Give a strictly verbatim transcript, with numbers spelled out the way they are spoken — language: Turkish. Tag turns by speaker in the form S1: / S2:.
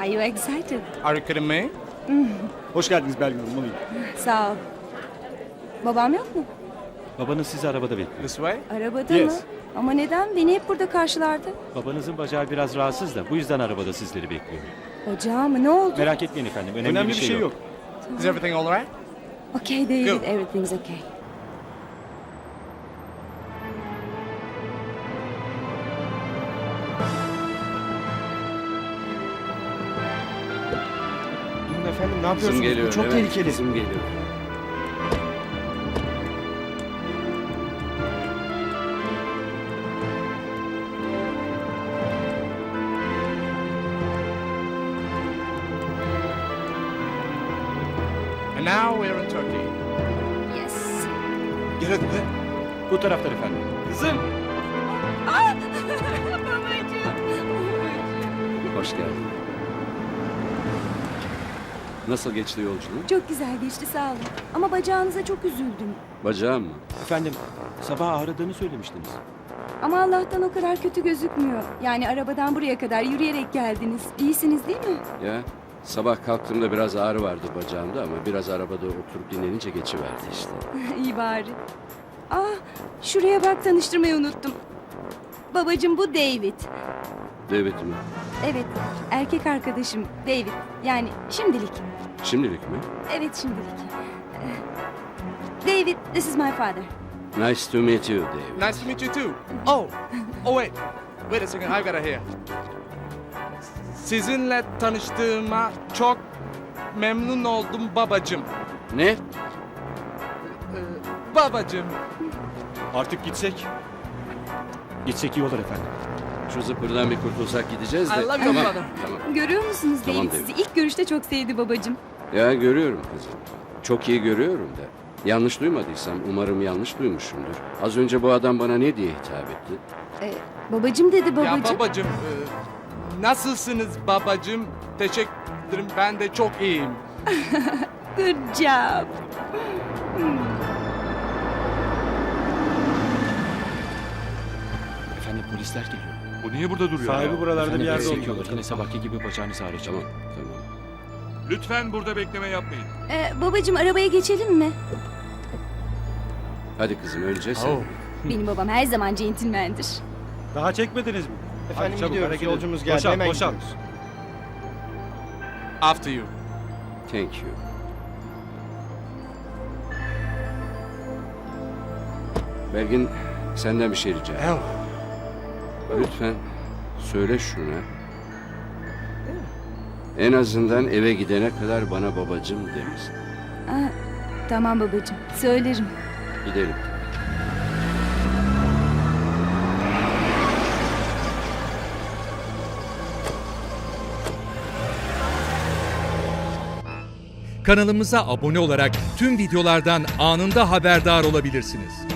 S1: Are you excited?
S2: Are you kidding me?
S3: Hoş geldiniz Belgin Hanım. Alayım.
S1: Sağ ol. Babam yok mu?
S4: Babanız sizi arabada bekliyor.
S2: This way?
S1: Arabada
S3: Yes.
S1: mı? Ama neden? Beni hep burada karşılardı.
S4: Babanızın bacağı biraz rahatsız da bu yüzden arabada sizleri bekliyor.
S1: Ocağı mı? Ne oldu?
S4: Merak etmeyin efendim. Önemli,
S3: Önemli bir şey yok.
S2: Is everything all right?
S1: Okay David,
S2: Good.
S1: everything's okay.
S3: Durun efendim ne yapıyorsunuz?
S5: Kızım geliyor.
S3: Bu çok
S5: evet,
S3: tehlikeli.
S5: Kızım geliyor.
S2: And now we're in Turkey.
S1: Yes.
S3: Gel hadi be.
S4: Bu taraftan efendim.
S3: Kızım.
S5: Hoş geldin. Nasıl geçti yolculuğun?
S1: Çok güzel geçti sağ olun. Ama bacağınıza çok üzüldüm.
S5: Bacağım mı?
S4: Efendim sabah ağrıdığını söylemiştiniz.
S1: Ama Allah'tan o kadar kötü gözükmüyor. Yani arabadan buraya kadar yürüyerek geldiniz. İyisiniz değil mi?
S5: Ya sabah kalktığımda biraz ağrı vardı bacağımda ama biraz arabada oturup dinlenince geçiverdi işte.
S1: İyi bari. Ah, şuraya bak tanıştırmayı unuttum. Babacığım bu David.
S5: David mi?
S1: Evet, erkek arkadaşım David. Yani şimdilik.
S5: Şimdilik mi?
S1: Evet şimdilik. David, this is my father.
S5: Nice to meet you David.
S2: Nice to meet you too. Oh, oh wait. Wait a second, I gotta hear. Sizinle tanıştığıma çok memnun oldum babacım.
S5: Ne?
S2: Ee, babacım.
S4: Artık gitsek. Gitsek iyi olur efendim.
S5: Şu zıpırdan bir kurtulsak gideceğiz de.
S2: I love you,
S5: Tamam,
S2: brother.
S5: tamam.
S1: Görüyor musunuz
S5: Tamam,
S1: David?
S5: David.
S1: Sizi ilk görüşte çok sevdi babacığım.
S5: Ya görüyorum kızım. Çok iyi görüyorum da. Yanlış duymadıysam umarım yanlış duymuşumdur. Az önce bu adam bana ne diye hitap etti?
S1: Ee, babacığım dedi babacığım.
S2: Ya babacım, e, nasılsınız babacım? Teşekkür ederim, ben de çok iyiyim.
S1: Good job.
S4: Efendim polisler geliyor.
S6: Bu niye burada duruyor?
S3: Sahibi buralarda
S4: Efendim,
S3: bir yerde
S4: polis
S3: olmalı.
S4: çekiyorlar. Yine sabahki gibi bacağınız ağrıyacak.
S5: Tamam, tamam.
S6: Lütfen burada bekleme yapmayın.
S1: Ee, babacığım arabaya geçelim mi?
S5: Hadi kızım önce sen.
S2: Oh.
S1: Benim babam her zaman centilmendir.
S3: Daha çekmediniz mi?
S7: Efendim
S3: Hadi çabuk,
S7: gidiyoruz.
S3: hareket edin.
S7: Yolcumuz geldi.
S3: Boşalt,
S7: Hemen
S3: boşalt.
S7: gidiyoruz.
S2: After you.
S5: Thank you. Belgin senden bir şey rica edeyim. Lütfen söyle şuna. En azından eve gidene kadar bana babacım demesin.
S1: Aa, tamam babacığım, söylerim.
S5: Gidelim.
S8: Kanalımıza abone olarak tüm videolardan anında haberdar olabilirsiniz.